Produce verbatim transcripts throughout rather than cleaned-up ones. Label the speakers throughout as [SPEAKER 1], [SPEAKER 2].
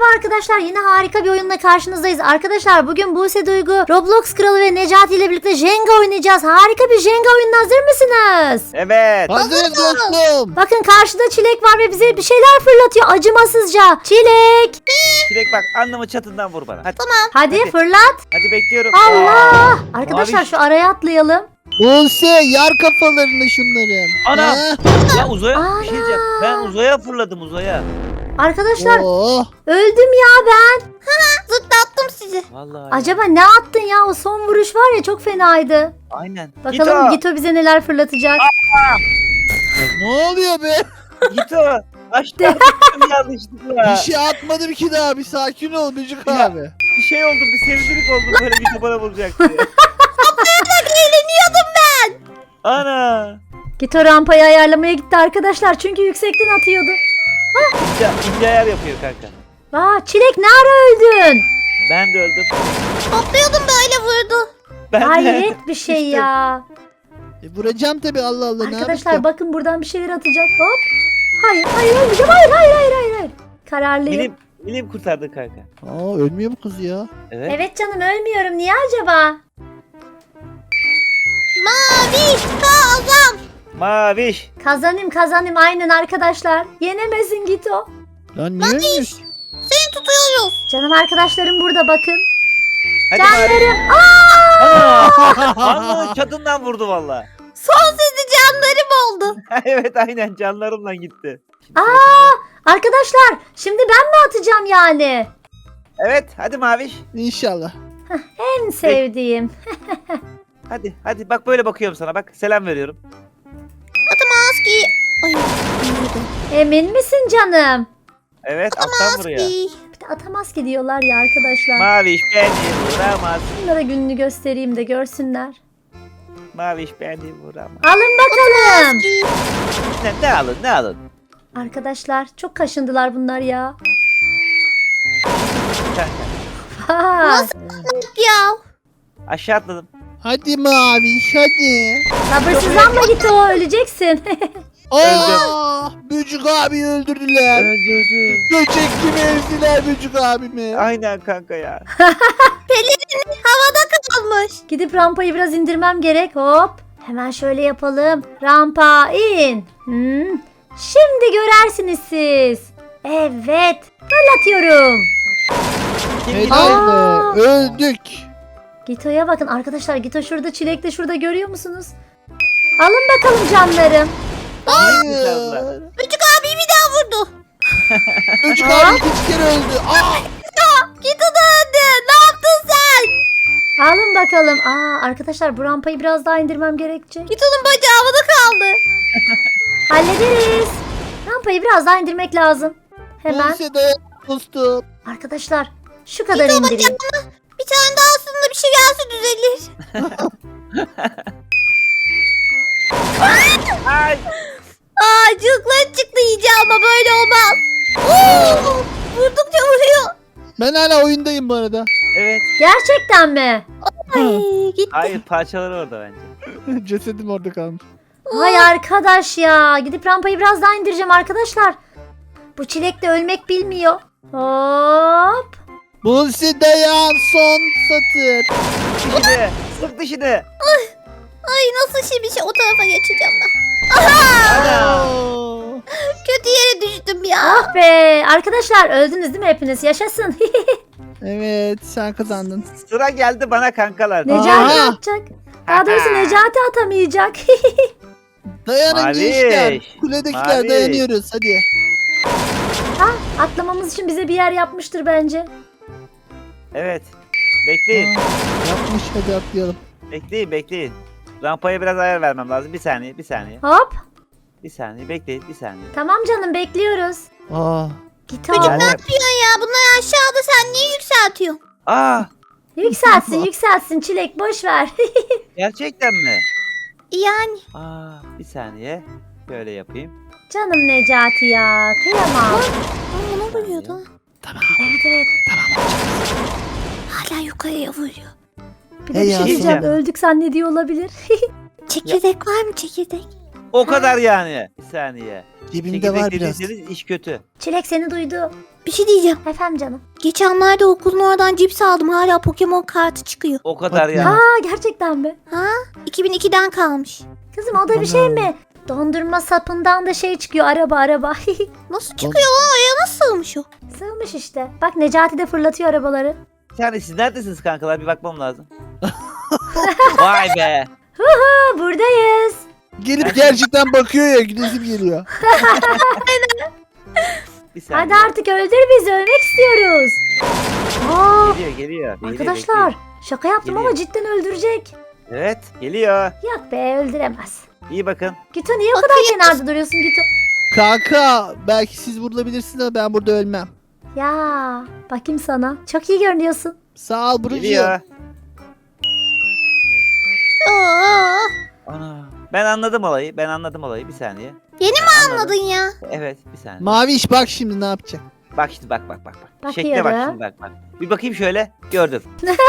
[SPEAKER 1] Merhaba arkadaşlar, yine harika bir oyunla karşınızdayız. Arkadaşlar bugün Buse Duygu, Roblox Kralı ve Necati ile birlikte Jenga oynayacağız. Harika bir Jenga oyununa hazır mısınız?
[SPEAKER 2] Evet.
[SPEAKER 3] Hazırız dostum.
[SPEAKER 1] Bakın karşıda Çilek var ve bize bir şeyler fırlatıyor acımasızca. Çilek!
[SPEAKER 2] Çilek bak, alnımı çatından vur bana. Hadi.
[SPEAKER 1] Hadi,
[SPEAKER 2] Hadi.
[SPEAKER 1] fırlat.
[SPEAKER 2] Hadi bekliyorum.
[SPEAKER 1] Allah!
[SPEAKER 2] Aa,
[SPEAKER 1] Arkadaşlar
[SPEAKER 2] maviş.
[SPEAKER 1] şu araya atlayalım.
[SPEAKER 3] Buse yar kafalarını şunların.
[SPEAKER 2] Ana!
[SPEAKER 3] Ha?
[SPEAKER 2] Ya uzaya
[SPEAKER 1] Ana!
[SPEAKER 2] bir şey diyeceğim. Ben uzaya fırladım uzaya.
[SPEAKER 1] Arkadaşlar
[SPEAKER 3] Oh.
[SPEAKER 1] öldüm ya ben.
[SPEAKER 4] Zıplattım sizi.
[SPEAKER 2] Vallahi.
[SPEAKER 1] Acaba ne attın ya? O son vuruş var ya, çok fenaydı.
[SPEAKER 2] Aynen.
[SPEAKER 1] Bakalım
[SPEAKER 2] Gito.
[SPEAKER 1] Gito bize neler fırlatacak.
[SPEAKER 3] Ne oluyor be?
[SPEAKER 2] Gito. Aşağı attım yanlışlıkla.
[SPEAKER 3] Bir şey atmadım ki daha. Bir sakin ol Bücük
[SPEAKER 2] Ya.
[SPEAKER 3] abi.
[SPEAKER 2] Bir şey oldu. Bir sevdirik oldum. Böyle Gito bana vuracak diye.
[SPEAKER 4] Eğleniyordum ben.
[SPEAKER 2] Ana.
[SPEAKER 1] Gito rampayı ayarlamaya gitti arkadaşlar çünkü yüksekten atıyordu.
[SPEAKER 2] İnce, ince ayar yapıyor kanka.
[SPEAKER 1] Aa, Çilek ne ara öldün?
[SPEAKER 2] Ben de öldüm.
[SPEAKER 4] Topluyordum böyle vurdu.
[SPEAKER 2] Ben de.
[SPEAKER 1] Hayret bir şey
[SPEAKER 2] Düştüm.
[SPEAKER 1] ya.
[SPEAKER 3] E, vuracağım tabii Allah Allah. ne
[SPEAKER 1] Arkadaşlar
[SPEAKER 3] yapacağım?
[SPEAKER 1] bakın buradan bir şeyler atacak. Hop. Hayır hayır ölmeyeceğim. Hayır hayır hayır hayır. hayır. Kararlıyım.
[SPEAKER 2] Bilim, bilim kurtardı kanka.
[SPEAKER 3] Aa ölmüyor mu kız ya?
[SPEAKER 2] Evet.
[SPEAKER 1] Evet canım, ölmüyorum. Niye acaba?
[SPEAKER 4] Mavi kazan.
[SPEAKER 2] Maviş.
[SPEAKER 1] Kazanayım kazanayım aynen arkadaşlar. Yenemesin Gito.
[SPEAKER 3] Lan niye ölmüş?
[SPEAKER 4] Seni tutuyoruz.
[SPEAKER 1] Canım arkadaşlarım burada bakın.
[SPEAKER 2] Hadi Maviş.
[SPEAKER 1] Canlarım. Aa!
[SPEAKER 2] Ana. Alnımın çatından vurdu valla.
[SPEAKER 4] Son sizi canlarım oldu.
[SPEAKER 2] Evet aynen, canlarımla gitti.
[SPEAKER 1] Aa! Arkadaşlar şimdi ben mi atacağım yani?
[SPEAKER 2] Evet hadi Maviş.
[SPEAKER 3] İnşallah.
[SPEAKER 1] En sevdiğim.
[SPEAKER 2] Hadi hadi bak, böyle bakıyorum sana, bak selam veriyorum.
[SPEAKER 4] Maski. Ay.
[SPEAKER 1] Emin misin canım?
[SPEAKER 2] Evet, alttan vuruyor.
[SPEAKER 4] Maski.
[SPEAKER 1] Bir de atamaz ki diyorlar ya arkadaşlar.
[SPEAKER 2] Maviş beni vuramaz.
[SPEAKER 1] Bunlara gününü göstereyim de görsünler.
[SPEAKER 2] Maviş beni vuramaz.
[SPEAKER 1] Alın bakalım.
[SPEAKER 2] Ne, ne alın ne alın.
[SPEAKER 1] Arkadaşlar çok kaşındılar bunlar ya.
[SPEAKER 2] Kanka,
[SPEAKER 1] Ha,
[SPEAKER 4] Ya.
[SPEAKER 2] aşağı atladım.
[SPEAKER 3] Hadi Maviş hadi.
[SPEAKER 1] sabırsızlanma git o, öleceksin.
[SPEAKER 3] Aa, Bücük abi öldürdüler.
[SPEAKER 2] Öldürdü.
[SPEAKER 3] Böcek gibi ezdiler Bücük abimi.
[SPEAKER 2] Aynen kanka ya.
[SPEAKER 4] Pelerin havada kalmış.
[SPEAKER 1] Gidip rampayı biraz indirmem gerek. Hop. Hemen şöyle yapalım. Rampa in. Hmm. Şimdi görersiniz siz. Evet. Fırlatıyorum.
[SPEAKER 2] Kim
[SPEAKER 3] Helal
[SPEAKER 1] Aa.
[SPEAKER 3] be. Öldük.
[SPEAKER 1] Gito'ya bakın arkadaşlar. Gito şurada, Çilek de şurada, görüyor musunuz? Alın bakalım canlarım.
[SPEAKER 3] Hayır.
[SPEAKER 4] Küçük abi bir daha vurdu.
[SPEAKER 3] Bücük abi iki kere öldü. Aa.
[SPEAKER 4] Git o da öldü. Ne yaptın sen?
[SPEAKER 1] Alın bakalım. Aa, arkadaşlar bu rampayı biraz daha indirmem gerekecek.
[SPEAKER 4] Git onun bacağı havada kaldı.
[SPEAKER 1] Hallederiz. Rampayı biraz daha indirmek lazım. Hemen.
[SPEAKER 3] Buse dayan dostum.
[SPEAKER 1] Arkadaşlar şu kadar indireyim.
[SPEAKER 4] Bir tane daha aslında bir şey gelse düzelir.
[SPEAKER 2] Ay.
[SPEAKER 4] Aa cılkları çıktı iyice ama böyle olmaz. Oo, vurdukça vuruyor.
[SPEAKER 3] Ben hala oyundayım bu arada.
[SPEAKER 2] Evet.
[SPEAKER 1] Gerçekten mi?
[SPEAKER 4] Ay gitti.
[SPEAKER 2] Hayır, parçaları orada bence.
[SPEAKER 3] Cesedim orada kalmış.
[SPEAKER 1] Vay arkadaş ya. Gidip rampayı biraz daha indireceğim arkadaşlar. Bu Çilek de ölmek bilmiyor. Hop.
[SPEAKER 3] Buse dayan son satır.
[SPEAKER 2] Dişini. Sık dişini.
[SPEAKER 4] Ay nasıl şimdi şey o tarafa geçeceğim ben.
[SPEAKER 2] Ana.
[SPEAKER 3] Oo.
[SPEAKER 4] Kötü yere düştüm ya.
[SPEAKER 1] Ah be. Arkadaşlar öldünüz değil mi hepiniz? Yaşasın.
[SPEAKER 3] Evet sen kazandın.
[SPEAKER 2] Sıra geldi bana kankalar.
[SPEAKER 1] Necati
[SPEAKER 3] Aha.
[SPEAKER 1] atacak. Daha doğrusu Necati atamayacak.
[SPEAKER 3] Dayanın
[SPEAKER 2] Maviş.
[SPEAKER 3] gençler. Kuledekiler
[SPEAKER 2] Maviş.
[SPEAKER 3] dayanıyoruz hadi.
[SPEAKER 1] Ha, atlamamız için bize bir yer yapmıştır bence.
[SPEAKER 2] Evet. Bekleyin.
[SPEAKER 3] Aa, yapmış hadi atlayalım.
[SPEAKER 2] Bekleyin bekleyin. Rampaya biraz ayar vermem lazım. Bir saniye bir saniye.
[SPEAKER 1] Hop.
[SPEAKER 2] Bir saniye bekleyin bir saniye.
[SPEAKER 1] Tamam canım, bekliyoruz.
[SPEAKER 3] Aa.
[SPEAKER 1] Gito.
[SPEAKER 2] Geldim.
[SPEAKER 4] Ne yapıyorsun ya? Bunlar aşağıda sen niye yükseltiyorsun?
[SPEAKER 2] Aa,
[SPEAKER 1] Yükselsin yükselsin Çilek, boş ver.
[SPEAKER 2] gerçekten mi?
[SPEAKER 4] Yani.
[SPEAKER 2] Aa, bir saniye. Böyle yapayım.
[SPEAKER 1] Canım Necati ya. Kıyamam.
[SPEAKER 4] Aa, ne vuruyordu?
[SPEAKER 1] Evet evet.
[SPEAKER 4] Hala yukarıya vuruyor.
[SPEAKER 1] Bir de
[SPEAKER 3] Hey
[SPEAKER 1] bir
[SPEAKER 3] ya,
[SPEAKER 1] şey diyeceğim.
[SPEAKER 2] diyeceğim.
[SPEAKER 1] Öldük zannediyor olabilir.
[SPEAKER 4] Çekirdek var mı çekirdek?
[SPEAKER 2] O kadar yani. Bir saniye.
[SPEAKER 3] Cebimde
[SPEAKER 2] Çekirdek
[SPEAKER 3] var biraz.
[SPEAKER 2] dediyseniz iş kötü.
[SPEAKER 1] Çilek seni duydu.
[SPEAKER 4] Bir şey diyeceğim.
[SPEAKER 1] Efendim canım.
[SPEAKER 4] Geçenlerde okulun oradan cips aldım. Hala Pokemon kartı çıkıyor.
[SPEAKER 2] O kadar
[SPEAKER 3] Bak
[SPEAKER 2] yani.
[SPEAKER 3] ya.
[SPEAKER 1] Aa gerçekten mi?
[SPEAKER 4] Ha? iki bin ikiden kalmış.
[SPEAKER 1] Kızım o da bir şey mi? Dondurma sapından da şey çıkıyor, araba araba.
[SPEAKER 4] Nasıl çıkıyor lan? Oraya nasıl sığmış o?
[SPEAKER 1] Sığmış işte. Bak Necati de fırlatıyor arabaları.
[SPEAKER 2] Bir tane siz neredesiniz kankalar? Bir bakmam lazım. Vay be.
[SPEAKER 1] Ha, buradayız.
[SPEAKER 3] Gelip gerçekten bakıyor ya, gülesim geliyor.
[SPEAKER 2] Bir saniye.
[SPEAKER 1] Hadi artık öldür bizi, ölmek istiyoruz. Aa,
[SPEAKER 2] Geliyor geliyor. Geliyor,
[SPEAKER 1] arkadaşlar
[SPEAKER 2] bekliyor.
[SPEAKER 1] şaka yaptım ama
[SPEAKER 2] Geliyor.
[SPEAKER 1] cidden öldürecek.
[SPEAKER 2] Evet geliyor.
[SPEAKER 1] Yok be, öldüremez.
[SPEAKER 2] İyi bakın.
[SPEAKER 1] Gito niye o kadar
[SPEAKER 4] Bakayım.
[SPEAKER 1] kenarda duruyorsun Gito?
[SPEAKER 3] Kanka belki siz burada bilirsiniz ama ben burada ölmem.
[SPEAKER 1] Ya bakayım sana. Çok iyi görünüyorsun.
[SPEAKER 3] Sağ ol Burcu.
[SPEAKER 2] Geliyor.
[SPEAKER 4] Aa,
[SPEAKER 2] Ana. Ben anladım olayı. Ben anladım olayı. Bir saniye.
[SPEAKER 4] Yeni mi
[SPEAKER 2] Ben anladım.
[SPEAKER 4] anladın ya?
[SPEAKER 2] Evet bir saniye.
[SPEAKER 3] Maviş bak şimdi ne yapacak.
[SPEAKER 2] Bak şimdi bak bak bak. bak.
[SPEAKER 1] Bakıyorum.
[SPEAKER 2] Şekle bak şimdi bak bak. Bir bakayım şöyle. Gördüm.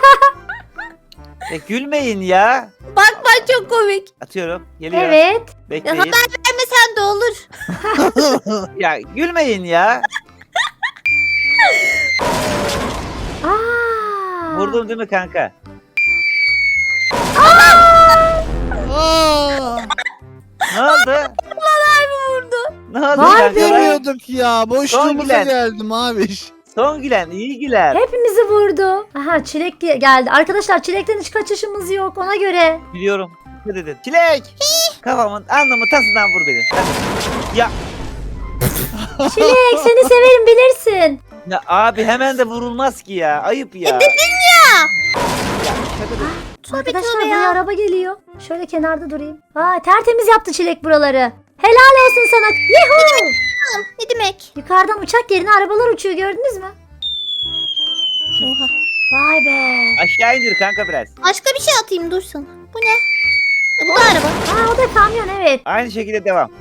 [SPEAKER 2] e, gülmeyin ya.
[SPEAKER 4] Bak bak çok komik.
[SPEAKER 2] Atıyorum. Geliyor.
[SPEAKER 1] Evet.
[SPEAKER 4] Ya
[SPEAKER 2] Bekleyin.
[SPEAKER 4] haber vermesen de olur.
[SPEAKER 2] Ya gülmeyin ya.
[SPEAKER 1] Aa.
[SPEAKER 2] Vurdum değil mi kanka?
[SPEAKER 3] Aa!
[SPEAKER 2] Ne oldu?
[SPEAKER 4] Vurdu.
[SPEAKER 2] Ne oldu
[SPEAKER 1] Vay
[SPEAKER 2] kanka?
[SPEAKER 1] be.
[SPEAKER 3] Demiyorduk ya.
[SPEAKER 2] Son
[SPEAKER 3] Boşluğumuza
[SPEAKER 2] gülen.
[SPEAKER 3] geldi Maviş.
[SPEAKER 2] Son gülen iyi güler.
[SPEAKER 1] Hepimizi vurdu. Aha Çilek ge- geldi. Arkadaşlar Çilek'ten hiç kaçışımız yok ona göre.
[SPEAKER 2] Biliyorum. Ne dedin? Çilek. Kafamın alnımı tasından vur beni. Hadi. Ya,
[SPEAKER 1] Çilek seni severim bilirsin.
[SPEAKER 2] ya abi hemen de vurulmaz ki ya. Ayıp ya.
[SPEAKER 4] E dedin ya.
[SPEAKER 2] Ya şaka değil.
[SPEAKER 4] Tövbe
[SPEAKER 1] Arkadaşlar
[SPEAKER 4] tövbe
[SPEAKER 1] buraya
[SPEAKER 4] ya.
[SPEAKER 1] araba geliyor. Şöyle kenarda durayım. Aa tertemiz yaptı Çilek buraları. Helal olsun sana. Yuhu!
[SPEAKER 4] Ne demek?
[SPEAKER 1] Yukarıdan uçak yerine arabalar uçuyor gördünüz mü?
[SPEAKER 4] Oha.
[SPEAKER 1] Vay be.
[SPEAKER 2] Aşağı indir kanka biraz.
[SPEAKER 4] Başka bir şey atayım dur sana. Bu ne? E, bu da araba.
[SPEAKER 1] Aa o da kamyon evet.
[SPEAKER 2] Aynı şekilde devam.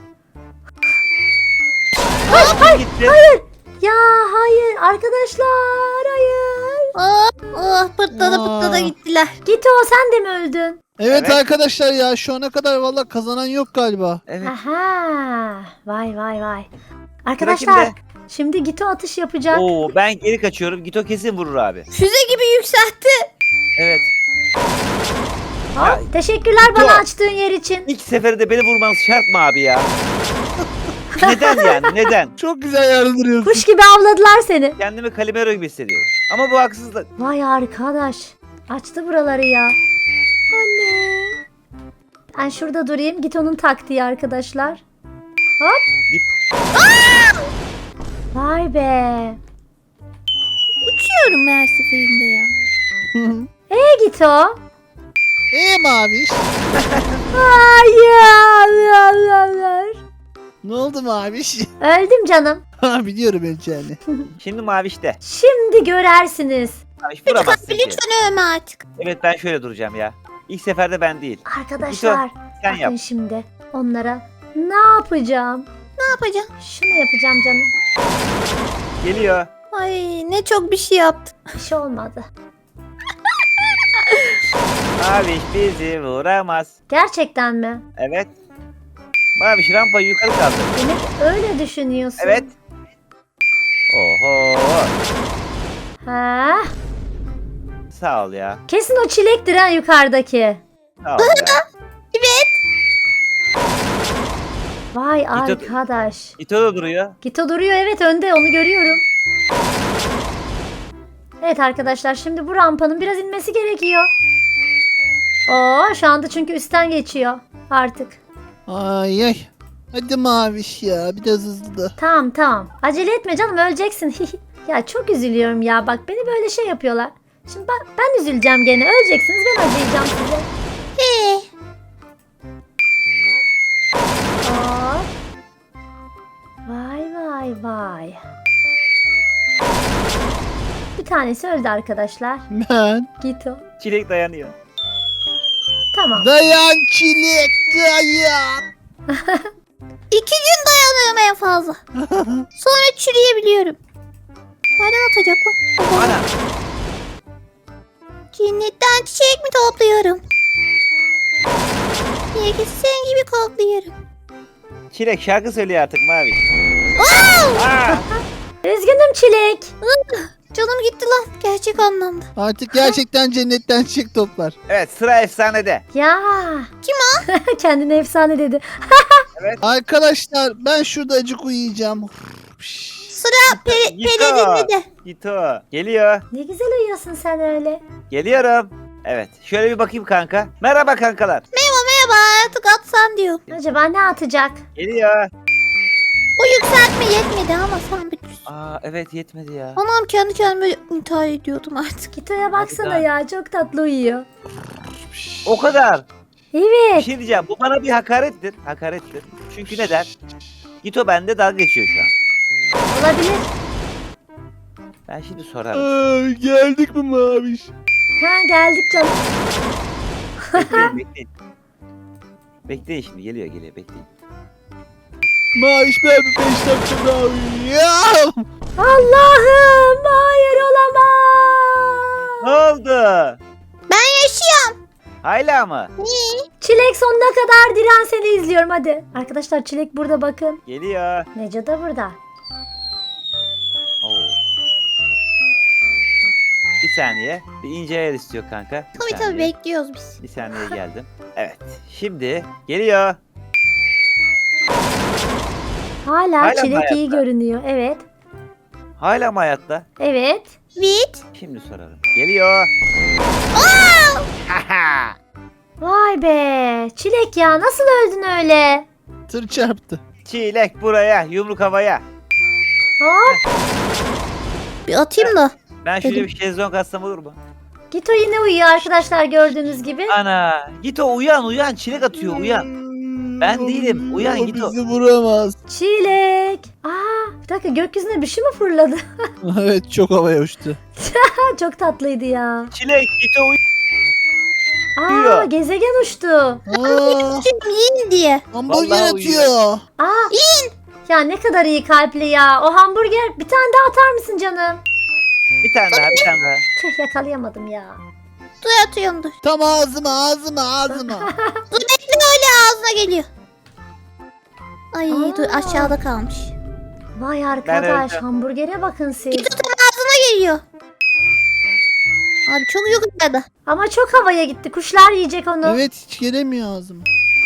[SPEAKER 1] Hayır hayır
[SPEAKER 2] Gitti.
[SPEAKER 1] hayır. Ya hayır arkadaşlar hayır.
[SPEAKER 4] Oh, oh pırtlada
[SPEAKER 3] Aa.
[SPEAKER 4] pırtlada gittiler.
[SPEAKER 1] Gito sen de mi öldün?
[SPEAKER 3] Evet,
[SPEAKER 2] Evet.
[SPEAKER 3] arkadaşlar ya şu ana kadar valla kazanan yok galiba.
[SPEAKER 2] Evet.
[SPEAKER 1] Aha. Vay vay vay.
[SPEAKER 2] Sıra
[SPEAKER 1] Arkadaşlar
[SPEAKER 2] kimde?
[SPEAKER 1] şimdi Gito atış yapacak.
[SPEAKER 2] Oo ben geri kaçıyorum. Gito kesin vurur abi.
[SPEAKER 4] Füze gibi yükseltti.
[SPEAKER 2] Evet.
[SPEAKER 1] Hop, teşekkürler bana
[SPEAKER 2] Gito.
[SPEAKER 1] açtığın yer için.
[SPEAKER 2] İlk seferde beni vurmanız şart mı abi ya? Neden yani? Neden?
[SPEAKER 3] Çok güzel yardırıyorsun.
[SPEAKER 1] Kuş gibi avladılar seni.
[SPEAKER 2] Kendimi Calimero gibi hissediyorum. Ama bu haksızlık.
[SPEAKER 1] Vay arkadaş. Açtı buraları ya. Anne. Ben şurada durayım. Gito'nun taktiği arkadaşlar. Hop.
[SPEAKER 2] Dip-
[SPEAKER 1] Vay be.
[SPEAKER 4] Uçuyorum her seferinde ya.
[SPEAKER 1] E Gito.
[SPEAKER 3] Eee Maviş?
[SPEAKER 1] Hayır.
[SPEAKER 3] Ne oldu Maviş?
[SPEAKER 1] Öldüm canım.
[SPEAKER 3] Ha biliyorum öleceğini.
[SPEAKER 2] Şimdi mavişte.
[SPEAKER 1] Şimdi görersiniz.
[SPEAKER 2] Maviş
[SPEAKER 4] Lütfen,
[SPEAKER 2] vuramazsın ki.
[SPEAKER 4] lütfen övme artık.
[SPEAKER 2] Evet ben şöyle duracağım ya. İlk seferde ben değil.
[SPEAKER 1] Arkadaşlar.
[SPEAKER 2] Sen
[SPEAKER 1] bakın
[SPEAKER 2] yap.
[SPEAKER 1] şimdi onlara ne yapacağım?
[SPEAKER 4] Ne yapacağım?
[SPEAKER 1] Şunu yapacağım canım.
[SPEAKER 2] Geliyor.
[SPEAKER 4] Ay ne çok bir şey yaptım.
[SPEAKER 1] Bir şey olmadı.
[SPEAKER 2] Maviş bizi vuramaz.
[SPEAKER 1] Gerçekten mi?
[SPEAKER 2] Evet. Maviş rampayı yukarı kaldır.
[SPEAKER 1] Demek öyle düşünüyorsun.
[SPEAKER 2] Evet. Oho.
[SPEAKER 1] Ha?
[SPEAKER 2] Sağ ol ya.
[SPEAKER 1] Kesin o çilektir ha yukarıdaki.
[SPEAKER 2] Sağ ol ya.
[SPEAKER 4] Evet.
[SPEAKER 1] Vay
[SPEAKER 2] Gito-
[SPEAKER 1] arkadaş.
[SPEAKER 2] Gito da duruyor.
[SPEAKER 1] Gito duruyor evet önde onu görüyorum. Evet arkadaşlar şimdi bu rampanın biraz inmesi gerekiyor. Oo şu anda çünkü üstten geçiyor artık.
[SPEAKER 3] Ay ay. Hadi Maviş ya biraz hızlı da.
[SPEAKER 1] Tamam tamam. Acele etme canım öleceksin. Ya çok üzülüyorum ya bak beni böyle şey yapıyorlar. Şimdi ben, ben üzüleceğim gene öleceksiniz ben acıyacağım size.
[SPEAKER 4] Ee,
[SPEAKER 1] Hop. Vay vay vay. Bir tanesi öldü arkadaşlar.
[SPEAKER 3] Ben.
[SPEAKER 1] Gito.
[SPEAKER 2] Çilek dayanıyor.
[SPEAKER 1] Tamam.
[SPEAKER 3] Dayan çilek dayan.
[SPEAKER 4] iki gün dayanıyorum en fazla. Sonra çürüyebiliyorum. Nereden atacak lan?
[SPEAKER 2] Ana.
[SPEAKER 4] Cennetten çiçek mi topluyorum? Herkesi senin gibi kokluyorum.
[SPEAKER 2] Çilek şarkı söylüyor artık Mavi. Aa!
[SPEAKER 1] Üzgünüm Çilek.
[SPEAKER 4] Canım gitti lan gerçek anlamda.
[SPEAKER 3] Artık gerçekten cennetten çık toplar.
[SPEAKER 2] Evet sıra efsanede.
[SPEAKER 1] Ya.
[SPEAKER 4] Kim
[SPEAKER 1] o? Kendine efsane dedi.
[SPEAKER 3] Arkadaşlar ben şurada acık uyuyacağım.
[SPEAKER 4] Sıra peri,
[SPEAKER 2] Gito.
[SPEAKER 4] pelerinde de.
[SPEAKER 2] Gito. Geliyor.
[SPEAKER 1] Ne güzel uyuyorsun sen öyle.
[SPEAKER 2] Geliyorum. Evet. Şöyle bir bakayım kanka. Merhaba kankalar.
[SPEAKER 4] Merhaba merhaba artık atsan diyor.
[SPEAKER 1] Acaba ne atacak?
[SPEAKER 2] Geliyor.
[SPEAKER 4] O yükseltme yetmedi ama sen bir...
[SPEAKER 2] Aa evet yetmedi ya.
[SPEAKER 4] Anam kendi kendime intihar ediyordum artık.
[SPEAKER 1] Gito'ya baksana
[SPEAKER 2] Hadi
[SPEAKER 1] ya, çok tatlı uyuyor.
[SPEAKER 2] O kadar. Bir
[SPEAKER 1] Evet.
[SPEAKER 2] şey diyeceğim. Bu bana bir hakarettir. Hakarettir. Çünkü neden? Gito bende dalga geçiyor şu an.
[SPEAKER 1] Olabilir.
[SPEAKER 2] Ben şimdi sorarım.
[SPEAKER 3] Aa, geldik mi Maviş?
[SPEAKER 1] Ha, geldik canım.
[SPEAKER 2] Bekleyin bekleyin. Bekleyin şimdi geliyor geliyor bekleyin.
[SPEAKER 3] Maviş ben bir beş dakika daha uyuyacağım.
[SPEAKER 1] Allah'ım, hayır olamaz.
[SPEAKER 2] Ne oldu?
[SPEAKER 4] Ben yaşıyorum.
[SPEAKER 2] Hala mı?
[SPEAKER 1] Çilek sonuna kadar diren, seni izliyorum hadi. Arkadaşlar Çilek burada bakın.
[SPEAKER 2] Geliyor.
[SPEAKER 1] Neco da burada.
[SPEAKER 2] Oo. Bir saniye. Bir ince ayar istiyor kanka. Bir
[SPEAKER 4] Tabii tabii
[SPEAKER 2] saniye.
[SPEAKER 4] bekliyoruz biz.
[SPEAKER 2] Bir saniye geldim. Evet. Şimdi geliyor.
[SPEAKER 1] Hala,
[SPEAKER 2] Hala mı
[SPEAKER 1] Çilek iyi
[SPEAKER 2] hayatta?
[SPEAKER 1] görünüyor. Evet.
[SPEAKER 2] Hala mı hayatta?
[SPEAKER 1] Evet.
[SPEAKER 4] Bit.
[SPEAKER 2] Şimdi sorarım. Geliyor.
[SPEAKER 1] Vay be. Çilek ya, nasıl öldün öyle?
[SPEAKER 3] Tır çarptı.
[SPEAKER 2] Çilek buraya. Yumruk havaya.
[SPEAKER 1] Hop.
[SPEAKER 4] Bir atayım da.
[SPEAKER 2] Ben şöyle
[SPEAKER 4] Dedim.
[SPEAKER 2] bir şezlong atsam olur mu?
[SPEAKER 1] Gito yine uyuyor arkadaşlar, gördüğünüz gibi.
[SPEAKER 2] Ana. Git o uyan uyan. Çilek atıyor uyan. Ben
[SPEAKER 3] O
[SPEAKER 2] değilim,
[SPEAKER 3] bizi-
[SPEAKER 2] uyan
[SPEAKER 3] o
[SPEAKER 2] git o.
[SPEAKER 3] bizi vuramaz.
[SPEAKER 1] Çilek. Aa, bir dakika, gökyüzüne bir şey mi fırladı?
[SPEAKER 3] Evet çok havaya uçtu.
[SPEAKER 1] Ha, çok tatlıydı ya.
[SPEAKER 2] Çilek git o uyan.
[SPEAKER 1] Aa,
[SPEAKER 2] Uyuyor.
[SPEAKER 1] gezegen uçtu.
[SPEAKER 3] Aa,
[SPEAKER 4] Şimdi yiyin diye.
[SPEAKER 3] hamburger
[SPEAKER 2] Vallahi
[SPEAKER 3] atıyor.
[SPEAKER 1] Aa. Ya ne kadar iyi kalpli ya. O hamburger, bir tane daha atar mısın canım?
[SPEAKER 2] Bir tane daha bir tane daha.
[SPEAKER 1] Tüh, yakalayamadım ya.
[SPEAKER 4] Dur atıyorum dur.
[SPEAKER 3] Tam ağzıma ağzıma ağzıma.
[SPEAKER 4] Dur bekle öyle ağzına geliyor. Ay
[SPEAKER 1] Aa.
[SPEAKER 4] dur aşağıda kalmış.
[SPEAKER 1] Vay arkadaş,
[SPEAKER 2] öldüm.
[SPEAKER 1] hamburgere bakın siz.
[SPEAKER 4] Git tam ağzına geliyor. Abi çok yukarıda.
[SPEAKER 1] Ama çok havaya gitti. Kuşlar yiyecek onu.
[SPEAKER 3] Evet hiç gelemiyor ağzıma.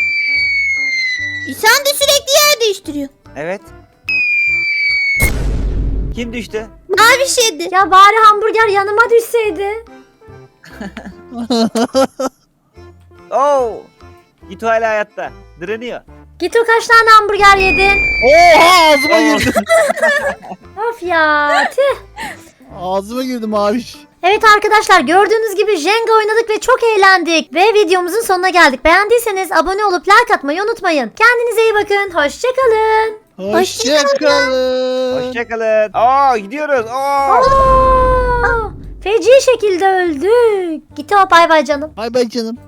[SPEAKER 4] E sen de sürekli yer değiştiriyor.
[SPEAKER 2] Evet. Kim düştü?
[SPEAKER 4] Mavi şeydi.
[SPEAKER 1] Ya bari hamburger yanıma düşseydi.
[SPEAKER 2] Oo. Git o hala hayatta. Direniyor.
[SPEAKER 1] Git, o kaç tane hamburger yedin?
[SPEAKER 3] Oha ağzıma
[SPEAKER 2] Oo.
[SPEAKER 3] girdi.
[SPEAKER 1] Of ya, tüh.
[SPEAKER 3] Ağzıma girdi Maviş.
[SPEAKER 1] Evet arkadaşlar, gördüğünüz gibi Jenga oynadık ve çok eğlendik. Ve videomuzun sonuna geldik. Beğendiyseniz abone olup like atmayı unutmayın. Kendinize iyi bakın. Hoşçakalın.
[SPEAKER 3] Hoşçakalın.
[SPEAKER 2] Hoşçakalın. Aa gidiyoruz. Aa.
[SPEAKER 1] Aa, feci şekilde öldük. Git, o bay bay canım.
[SPEAKER 3] Bay bay canım.